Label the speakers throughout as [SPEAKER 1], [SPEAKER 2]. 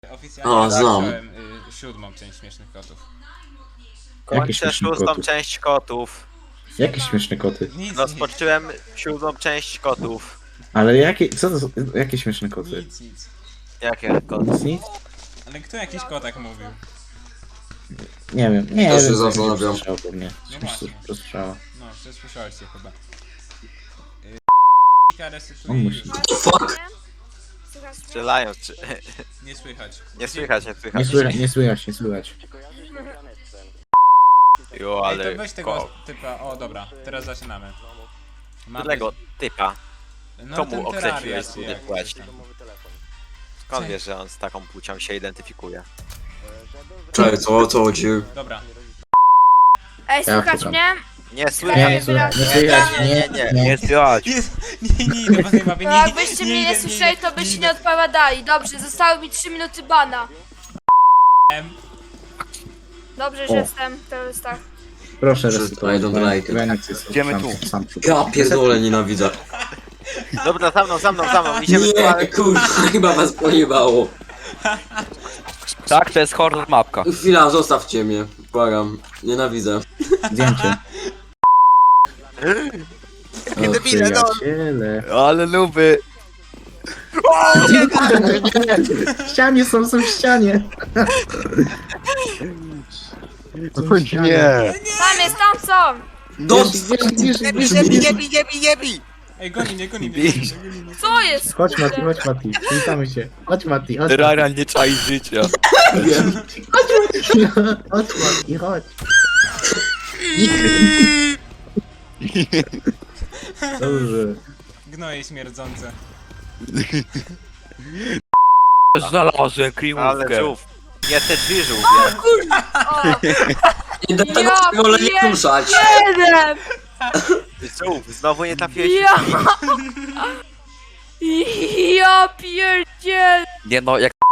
[SPEAKER 1] Oficjalnie
[SPEAKER 2] znam.
[SPEAKER 1] zacząłem siódmą część Śmiesznych Kotów.
[SPEAKER 3] Kończę szóstą część kotów.
[SPEAKER 4] Jakie śmieszne koty.
[SPEAKER 1] Nic,
[SPEAKER 3] Rozpocząłem siódmą część kotów.
[SPEAKER 4] Ale jakie, co to są, jakie śmieszne koty?
[SPEAKER 1] nic.
[SPEAKER 3] Jakie koty?
[SPEAKER 4] Nic?
[SPEAKER 1] Ale kto jakiś kotak mówił?
[SPEAKER 4] Nie wiem, nie
[SPEAKER 2] Też się
[SPEAKER 4] wiem.
[SPEAKER 2] zastanawiam.
[SPEAKER 4] Słyszał po mnie.
[SPEAKER 1] No właśnie.
[SPEAKER 4] Rozsłyszała.
[SPEAKER 1] No, przesłyszałeś się chyba.
[SPEAKER 4] On musi.
[SPEAKER 2] What the fuck?
[SPEAKER 3] Strzelają, czy...
[SPEAKER 1] Nie słychać.
[SPEAKER 3] Nie słychać, nie
[SPEAKER 4] Nie
[SPEAKER 3] słychać.
[SPEAKER 4] słychać, nie słychać, nie słychać.
[SPEAKER 3] Jo,
[SPEAKER 1] Ej, to
[SPEAKER 3] ale...
[SPEAKER 1] weź tego typa. O, dobra, teraz zaczynamy. Mamy-
[SPEAKER 3] Którego typa?
[SPEAKER 1] No,
[SPEAKER 3] Komu
[SPEAKER 1] ten
[SPEAKER 3] określiłeś
[SPEAKER 1] Terraria,
[SPEAKER 3] sobie
[SPEAKER 1] jak
[SPEAKER 3] płeć?
[SPEAKER 1] tam.
[SPEAKER 3] Skąd wiesz, że on z taką płcią się identyfikuje?
[SPEAKER 2] Czekaj, o co chodzi?
[SPEAKER 1] Dobra.
[SPEAKER 5] Ej,
[SPEAKER 4] Ja
[SPEAKER 5] słuchać
[SPEAKER 4] szukam.
[SPEAKER 5] mnie?
[SPEAKER 3] Nie słychać!
[SPEAKER 4] Nie, nie słychać, nie słychać, nie.
[SPEAKER 3] słychać!
[SPEAKER 1] Jest! Nie idę, was nie bawię,
[SPEAKER 5] No jakbyście mnie nie słyszeli, to byście nie odpowiadali. Dobrze, zostały mi 3 minuty bana. Dobrze, że
[SPEAKER 4] O.
[SPEAKER 5] jestem w terrorystach.
[SPEAKER 4] Proszę
[SPEAKER 2] I
[SPEAKER 4] resetować.
[SPEAKER 2] don't like it.
[SPEAKER 3] Idziemy tu.
[SPEAKER 2] Ja pierdolę, nienawidzę.
[SPEAKER 3] Dobra, za mną, idziemy tu,
[SPEAKER 2] Nie,
[SPEAKER 3] ale...
[SPEAKER 2] kurwa, chyba was pojebało.
[SPEAKER 6] Tak, to jest horror mapka.
[SPEAKER 2] Chwila, zostawcie mnie, błagam. Nienawidzę.
[SPEAKER 4] Zdjęcie. O,
[SPEAKER 3] debile, no.
[SPEAKER 4] przyjaciele.
[SPEAKER 6] Ale luby.
[SPEAKER 4] W ścianie są w ścianie.
[SPEAKER 6] Nie.
[SPEAKER 5] Tam jest, tam są!
[SPEAKER 2] Do...
[SPEAKER 3] Nie bij!
[SPEAKER 1] Ej, goni mnie, goni mnie.
[SPEAKER 5] Co jest?
[SPEAKER 4] Chodź Mati, chodź Mati. Witamy się. Chodź Mati, chodź Mati.
[SPEAKER 6] Rara nie czai życia.
[SPEAKER 2] Wiem.
[SPEAKER 4] Chodź Mati, chodź. Dobrze.
[SPEAKER 1] Gnoje śmierdzące.
[SPEAKER 6] Znalazłem
[SPEAKER 3] Ale
[SPEAKER 6] kryjówkę.
[SPEAKER 3] żółw. Nie te drzwi żółwie.
[SPEAKER 5] O,
[SPEAKER 2] Nie do tego
[SPEAKER 5] Ja
[SPEAKER 2] wolę nie ruszać.
[SPEAKER 5] jeden!
[SPEAKER 3] Żółw, znowu nie trafiłeś.
[SPEAKER 5] Ja... Ja pierdziel!
[SPEAKER 6] Nie no, jak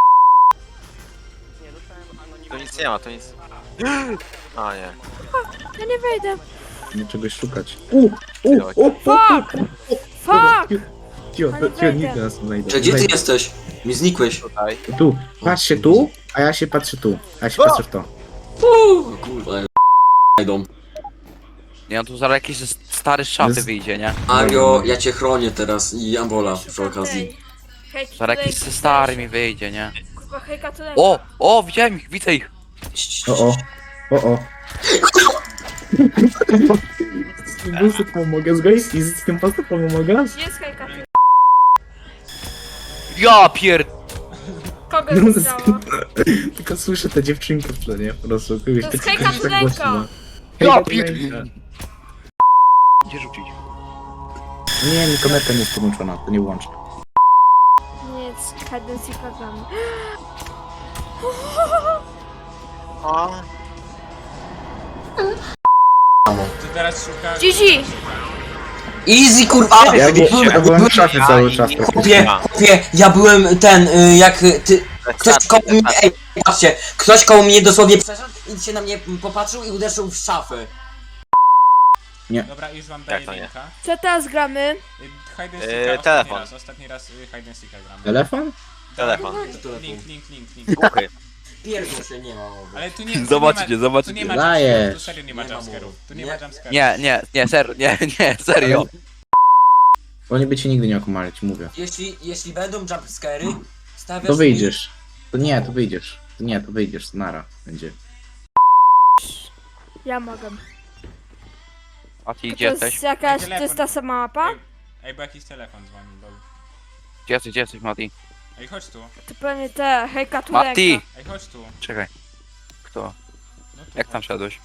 [SPEAKER 3] Tu nic nie ma, tu nic... A nie.
[SPEAKER 5] Ja nie wejdę.
[SPEAKER 4] Nie czegoś szukać.
[SPEAKER 5] Fuck! Fuck!
[SPEAKER 4] Cio,
[SPEAKER 5] Ale
[SPEAKER 4] nikt
[SPEAKER 5] wejdę.
[SPEAKER 4] nas nie znajdzie.
[SPEAKER 2] Czy gdzie ty
[SPEAKER 4] Wejdę.
[SPEAKER 2] jesteś? Mi znikłeś.
[SPEAKER 3] Tutaj.
[SPEAKER 4] Tu, patrz się tu, a ja się patrzę tu. A ja się patrzę w to.
[SPEAKER 2] Kurwa, idą.
[SPEAKER 6] nie no, tu zaraz jakiś stary z szafy wyjdzie, nie?
[SPEAKER 2] Mario, ja cię chronię teraz i Ambola przy okazji.
[SPEAKER 5] Hejka
[SPEAKER 6] Zaraz jakiś stary mi wyjdzie, nie?
[SPEAKER 5] Kurwa, hejka tu
[SPEAKER 6] O, widziałem ich, widzę ich.
[SPEAKER 4] O. Z tym busem pomogę, z gojski, z tym pasem pomogę.
[SPEAKER 5] Gdzie jest hejka tu?
[SPEAKER 6] Ja pier...
[SPEAKER 5] Kogo
[SPEAKER 4] No,
[SPEAKER 5] zostało?
[SPEAKER 4] Tylko słyszę te dziewczynki w tle, nie? Po prostu kogoś
[SPEAKER 5] To jest
[SPEAKER 4] tak-
[SPEAKER 5] hejka
[SPEAKER 4] tak
[SPEAKER 5] Tulenka.
[SPEAKER 4] głośno.
[SPEAKER 6] Ja
[SPEAKER 4] Hejka
[SPEAKER 6] pier...
[SPEAKER 4] Tulenka.
[SPEAKER 6] Gdzie rzucić?
[SPEAKER 4] Nie, kamerka nie jest podłączona, to nie włączę.
[SPEAKER 5] Nic, hide and seek gramy.
[SPEAKER 3] O,
[SPEAKER 1] To teraz szuka...
[SPEAKER 5] GG!
[SPEAKER 2] Easy kurwa!
[SPEAKER 4] Ja byłem w szafie cały czas.
[SPEAKER 2] Chłopie, ja byłem ten, jak ty... Ktoś koło mnie, ej, patrzcie, ktoś koło mnie dosłownie przeszedł i się na mnie popatrzył i uderzył w szafę.
[SPEAKER 1] Dobra, już wam daję
[SPEAKER 3] Jak to nie?
[SPEAKER 1] linka.
[SPEAKER 5] Co teraz gramy?
[SPEAKER 1] Hide and seeka
[SPEAKER 3] telefon.
[SPEAKER 1] ostatni raz hide and seeka gramy.
[SPEAKER 4] Telefon?
[SPEAKER 3] telefon.
[SPEAKER 1] Link.
[SPEAKER 3] Głuchy.
[SPEAKER 2] Pierdol się nie ma mowy.
[SPEAKER 1] Ale tu nie...
[SPEAKER 6] Zobaczycie, zobaczycie.
[SPEAKER 1] Tu nie ma
[SPEAKER 4] Dajesz.
[SPEAKER 1] jumpscarów, tu serio nie ma
[SPEAKER 2] Nie ma
[SPEAKER 1] jumpscarów. Tu nie ma
[SPEAKER 2] Nie.
[SPEAKER 1] jumpscarów.
[SPEAKER 6] Nie, serio.
[SPEAKER 4] Oni by cię nigdy nie okumali, ci mówię.
[SPEAKER 2] Jeśli będą jumpscary, stawiasz
[SPEAKER 4] To
[SPEAKER 2] mi-
[SPEAKER 4] wyjdziesz. To nie, to wyjdziesz. To nie, to wyjdziesz, nara będzie.
[SPEAKER 5] Ja mogę.
[SPEAKER 6] A ty
[SPEAKER 5] To
[SPEAKER 6] gdzie
[SPEAKER 5] jest
[SPEAKER 6] jesteś?
[SPEAKER 5] jakaś, to
[SPEAKER 1] Telefon.
[SPEAKER 5] jest ta sama mapa?
[SPEAKER 1] Ej, bo jakiś telefon dzwoni, lol.
[SPEAKER 6] Gdzie jesteś, Mati?
[SPEAKER 1] Ej, chodź tu.
[SPEAKER 5] To pewnie te, hejka Tulenka.
[SPEAKER 6] Mati!
[SPEAKER 1] Ej, chodź tu.
[SPEAKER 6] Czekaj. Kto?
[SPEAKER 1] No tu
[SPEAKER 6] Jak tam
[SPEAKER 1] chodź.
[SPEAKER 6] szedłeś?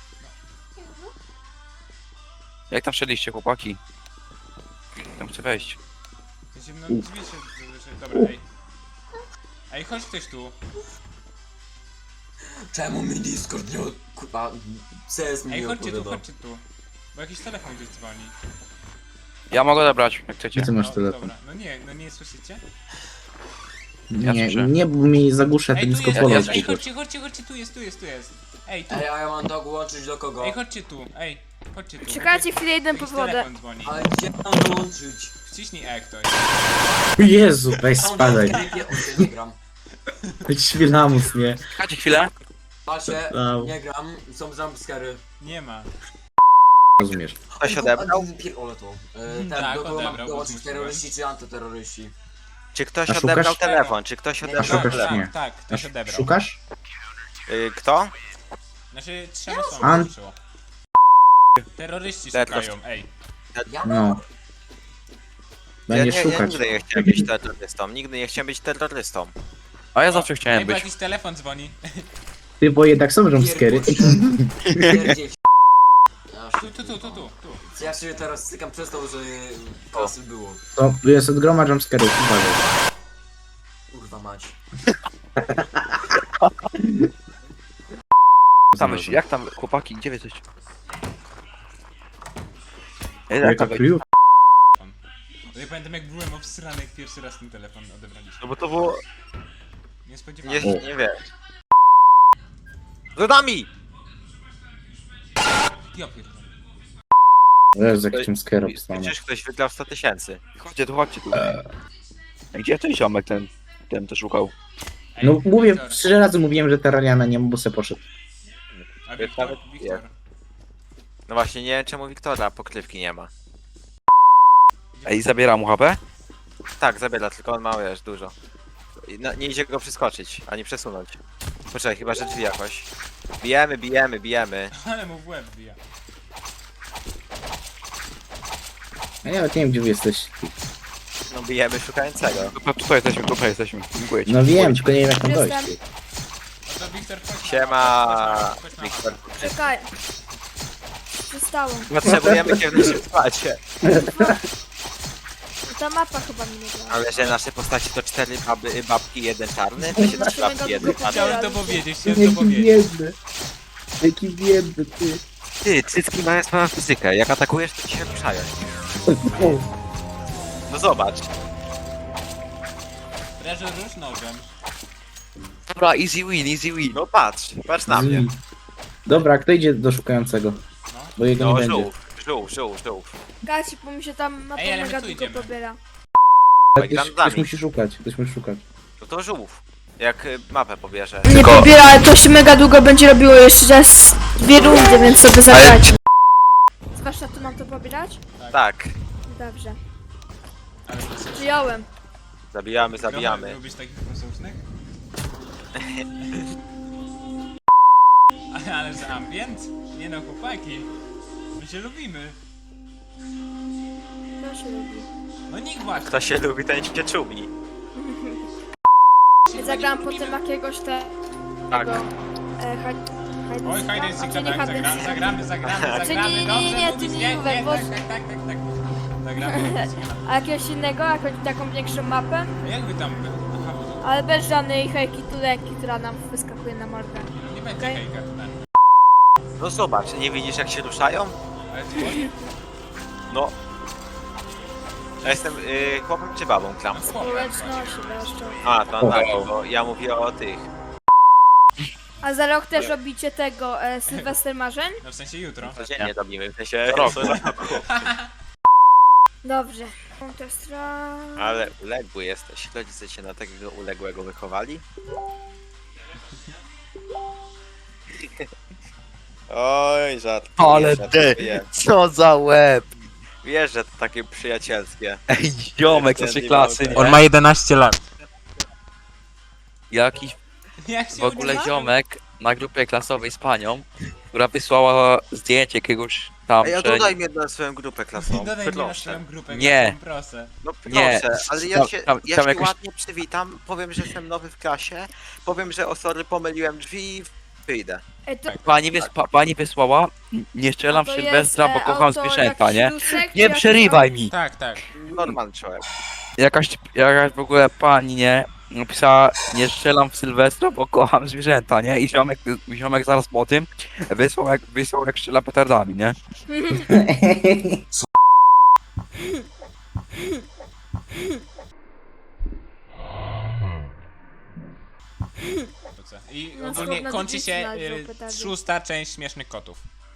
[SPEAKER 6] Jak tam szedliście, chłopaki? Tam chcę wejść.
[SPEAKER 1] No drzwi się... Dobra, ej. Ej, chodź ktoś tu.
[SPEAKER 2] Czemu mi Discord nie kurwa CS mi
[SPEAKER 1] Ej,
[SPEAKER 2] nie
[SPEAKER 1] chodźcie tu,
[SPEAKER 2] odpowiada?
[SPEAKER 1] chodźcie tu. Bo jakiś telefon gdzieś dzwoni.
[SPEAKER 6] Ja mogę odebrać, jak chcecie.
[SPEAKER 4] Gdzie ty masz
[SPEAKER 1] No,
[SPEAKER 4] telefon?
[SPEAKER 1] dobra. No nie słyszycie?
[SPEAKER 6] Ja
[SPEAKER 4] Nie,
[SPEAKER 6] słyszę.
[SPEAKER 4] nie, bo mi zagłuszę
[SPEAKER 1] Ej,
[SPEAKER 4] ten
[SPEAKER 1] tu jest,
[SPEAKER 4] skopolot.
[SPEAKER 1] ej, chodźcie, tu jest. Ej, tu.
[SPEAKER 2] Ej, a ja mam to łączyć do kogo?
[SPEAKER 1] Ej, chodźcie tu, chodźcie tu.
[SPEAKER 5] Czekajcie chwilę, idę po
[SPEAKER 1] Jakiś
[SPEAKER 5] wodę.
[SPEAKER 1] telefon dzwoni.
[SPEAKER 2] Ale gdzie mam dołączyć?
[SPEAKER 1] Wciśnij E ktoś.
[SPEAKER 4] Jezu, weź
[SPEAKER 2] Mam
[SPEAKER 4] spadaj.
[SPEAKER 2] dołączyć, nie gram.
[SPEAKER 4] Świlamus, nie?
[SPEAKER 6] Czekajcie chwilę.
[SPEAKER 2] Patrzcie,
[SPEAKER 4] Au.
[SPEAKER 2] nie gram, są jumpscary.
[SPEAKER 1] Nie ma.
[SPEAKER 4] Rozumiesz.
[SPEAKER 3] Ktoś odebrał?
[SPEAKER 2] Pierdolę to.
[SPEAKER 1] Tak,
[SPEAKER 2] Do kogo mam
[SPEAKER 1] odebrał,
[SPEAKER 2] dołączyć,
[SPEAKER 1] bo
[SPEAKER 2] terroryści czy antyterroryści?
[SPEAKER 3] Czy ktoś
[SPEAKER 4] A szukasz?
[SPEAKER 3] odebrał telefon? Czy ktoś
[SPEAKER 1] Tak,
[SPEAKER 3] odebrał
[SPEAKER 4] szukasz?
[SPEAKER 3] telefon?
[SPEAKER 4] Nie.
[SPEAKER 1] tak, ktoś odebrał.
[SPEAKER 4] Szukasz?
[SPEAKER 3] Kto?
[SPEAKER 1] Znaczy, 3 osoby
[SPEAKER 4] An-
[SPEAKER 1] ruszyło. Terroryści
[SPEAKER 3] Let's
[SPEAKER 1] szukają, ej.
[SPEAKER 2] Ja?
[SPEAKER 4] No.
[SPEAKER 3] Ja
[SPEAKER 4] Będziesz szukać.
[SPEAKER 3] nigdy nie chciałem być terrorystą. Nigdy nie chciałem być terrorystą.
[SPEAKER 6] A ja zawsze chciałem
[SPEAKER 1] Ej, bo
[SPEAKER 6] być.
[SPEAKER 1] jakiś telefon dzwoni.
[SPEAKER 4] Ty, bo jednak są jumpscary.
[SPEAKER 2] Pierdziel.
[SPEAKER 1] Tu.
[SPEAKER 2] Ja się teraz stykam przez to, że klasy było.
[SPEAKER 4] To jest od groma jumpscarów, uważaj.
[SPEAKER 2] Kurwa mać.
[SPEAKER 6] Jak tam, chłopaki, gdzie wy jesteście? Ej, jak
[SPEAKER 4] Jaka
[SPEAKER 6] tam,
[SPEAKER 4] kryjów?
[SPEAKER 1] Ja pamiętam jak byłem obsrany, jak pierwszy raz ten telefon odebraliśmy.
[SPEAKER 3] No bo to było...
[SPEAKER 1] Nie spodziewałem się.
[SPEAKER 3] Nie wiesz. Za nami!
[SPEAKER 1] Ja pierdolę.
[SPEAKER 4] Jest jakiś jumpscare obstany.
[SPEAKER 3] Przecież ktoś wygrał 100 000.
[SPEAKER 6] chodźcie tu. Gdzie ten ziomek ten to szukał?
[SPEAKER 1] Ej,
[SPEAKER 4] No mówię,
[SPEAKER 1] Wiktor.
[SPEAKER 4] 3 razy mówiłem, że Terrariana nie ma, bo se poszedł.
[SPEAKER 1] A Wiktor?
[SPEAKER 3] Nawet
[SPEAKER 1] Wiktor.
[SPEAKER 3] No właśnie, nie wiem czemu Wiktora pokrywki nie ma.
[SPEAKER 6] Ej, zabieram mu HP?
[SPEAKER 3] Tak, zabiera, tylko on ma, wiesz, dużo. Nie idzie go przeskoczyć, ani przesunąć. Poczekaj, chyba że drzwi jakoś. Bijemy.
[SPEAKER 1] Ale mu w łeb bija.
[SPEAKER 4] Ja nawet nie wiem, gdzie wy jesteś.
[SPEAKER 3] No bijemy szukającego.
[SPEAKER 6] Tutaj jesteśmy. Dziękuję ci.
[SPEAKER 4] No wiem, tylko nie wiem jak tam dojść.
[SPEAKER 5] Jestem.
[SPEAKER 1] No to Wiktor, chodź na
[SPEAKER 3] Siema,
[SPEAKER 1] mapę, chodź na
[SPEAKER 3] Wiktor.
[SPEAKER 1] mapę.
[SPEAKER 5] Czekaj. Przestało.
[SPEAKER 3] Potrzebujemy cię w naszym składzie.
[SPEAKER 5] Ta mapa chyba mi nie działa.
[SPEAKER 3] Ale że nasze postaci to 4 babki, 1 czarny, to się 3 babki, 1 czarny.
[SPEAKER 1] Chciałem to powiedzieć,
[SPEAKER 4] biedny. Jaki biedny, ty.
[SPEAKER 3] Ty, cycki mają swoją fizykę, jak atakujesz to ci się ruszają. No zobacz.
[SPEAKER 1] Treasure rusz nożem.
[SPEAKER 6] Dobra, easy win.
[SPEAKER 3] No patrz na mnie.
[SPEAKER 4] Dobra, kto idzie do szukającego?
[SPEAKER 1] No.
[SPEAKER 4] Bo jego
[SPEAKER 3] No
[SPEAKER 4] nie będzie.
[SPEAKER 3] żółw.
[SPEAKER 5] Gaci, bo mi się tam mapa
[SPEAKER 1] Ej, ale my
[SPEAKER 5] mega
[SPEAKER 1] tu
[SPEAKER 5] długo
[SPEAKER 1] idziemy.
[SPEAKER 5] pobiera.
[SPEAKER 4] Ale
[SPEAKER 3] Gram z
[SPEAKER 4] ktoś
[SPEAKER 3] nami.
[SPEAKER 4] musi szukać, ktoś musi szukać.
[SPEAKER 3] No to żółw. Jak mapę pobierze.
[SPEAKER 5] Nie pobiera, ale to się mega długo będzie robiło jeszcze raz 2 rundy, więc sobie zagrać. Zwłaszcza tu mam to pobierać?
[SPEAKER 3] Tak.
[SPEAKER 5] Dobrze.
[SPEAKER 1] Ale to jest...
[SPEAKER 5] Przyjąłem.
[SPEAKER 3] Zabijamy.
[SPEAKER 1] Lubisz takich posłusznych? Ale za ambient? Nie no, chłopaki. My się lubimy.
[SPEAKER 5] To się lubi.
[SPEAKER 1] No nikt właśnie.
[SPEAKER 3] Kto się lubi, ten się czumi.
[SPEAKER 5] Zagrałam potem jakiegoś
[SPEAKER 3] Tak.
[SPEAKER 1] Oj, hide and seek,
[SPEAKER 5] czy nie
[SPEAKER 1] dobra,
[SPEAKER 5] hide and seek?
[SPEAKER 1] zagramy,
[SPEAKER 5] nie,
[SPEAKER 1] dobrze,
[SPEAKER 5] nie,
[SPEAKER 1] mówisz,
[SPEAKER 5] ty nie mówaj, bo-
[SPEAKER 1] tak. Zagramy.
[SPEAKER 5] A jakiegoś innego, jakąś taką większą mapę,
[SPEAKER 1] A jak wy tam... Aha, bo
[SPEAKER 5] ale bez żadnej hejki tuleki, która nam wyskakuje na mordę.
[SPEAKER 1] nie będzie
[SPEAKER 5] Okej.
[SPEAKER 1] hejka. Tak.
[SPEAKER 3] No zobacz, nie widzisz jak się ruszają?
[SPEAKER 1] Ale ty
[SPEAKER 3] No. Ja jestem chłopem czy babą, Klam?
[SPEAKER 5] Społeczności wreszcie.
[SPEAKER 3] A, to tak, bo ja mówię o tych.
[SPEAKER 5] A za rok też robicie tego Sylwester Marzeń?
[SPEAKER 1] No w sensie jutro.
[SPEAKER 3] Codziennie robimy, w sensie
[SPEAKER 6] Roku.
[SPEAKER 3] co roku.
[SPEAKER 5] Dobrze. Counter Strike.
[SPEAKER 3] Ale uległy jesteś. Rodzice cię na takiego uległego wychowali? Oj, żart.
[SPEAKER 6] Ale co za łeb.
[SPEAKER 3] Wiesz, że to takie przyjacielskie.
[SPEAKER 6] Ej, ziomek z naszej klasy, nie?
[SPEAKER 1] On ma 11 lat.
[SPEAKER 6] Jakiś
[SPEAKER 1] Jak się
[SPEAKER 6] w ogóle
[SPEAKER 5] uda?
[SPEAKER 6] ziomek na grupie klasowej z panią, która wysłała zdjęcie jakiegoś tam,
[SPEAKER 3] Ej, a
[SPEAKER 6] że...
[SPEAKER 3] dodaj mnie na swoją grupę klasową,
[SPEAKER 1] Dodaj mnie na
[SPEAKER 3] proszę.
[SPEAKER 1] swoją grupę.
[SPEAKER 6] Nie.
[SPEAKER 1] Proszę.
[SPEAKER 3] No
[SPEAKER 6] Nie,
[SPEAKER 3] proszę, ale ja
[SPEAKER 6] tam-
[SPEAKER 3] się,
[SPEAKER 6] tam
[SPEAKER 3] ja się
[SPEAKER 6] jakoś-
[SPEAKER 3] ładnie przywitam, powiem, że jestem nowy w klasie, powiem, że o sorry, pomyliłem drzwi i wyjdę.
[SPEAKER 5] Ej, to,
[SPEAKER 6] Pani wysłała, nie strzelam w
[SPEAKER 5] to
[SPEAKER 6] Sylwestra, bo
[SPEAKER 5] jest,
[SPEAKER 6] kocham
[SPEAKER 5] autor
[SPEAKER 6] zwierzęta,
[SPEAKER 5] jakiś
[SPEAKER 6] nie?
[SPEAKER 5] Dusek, czy
[SPEAKER 6] Nie
[SPEAKER 5] jakiś
[SPEAKER 6] przerywaj mi!
[SPEAKER 1] Tak, tak.
[SPEAKER 3] Normalny człowiek.
[SPEAKER 6] Jakaś w ogóle pani, napisała, nie strzelam w Sylwestra, bo kocham zwierzęta, nie? I ziomek zaraz po tym wysłał jak strzela petardami, nie?
[SPEAKER 1] I
[SPEAKER 5] No,
[SPEAKER 1] ogólnie
[SPEAKER 5] słowna
[SPEAKER 1] kończy
[SPEAKER 5] dziewczyna
[SPEAKER 1] się
[SPEAKER 5] wziął petardy.
[SPEAKER 1] 6. część Śmiesznych Kotów.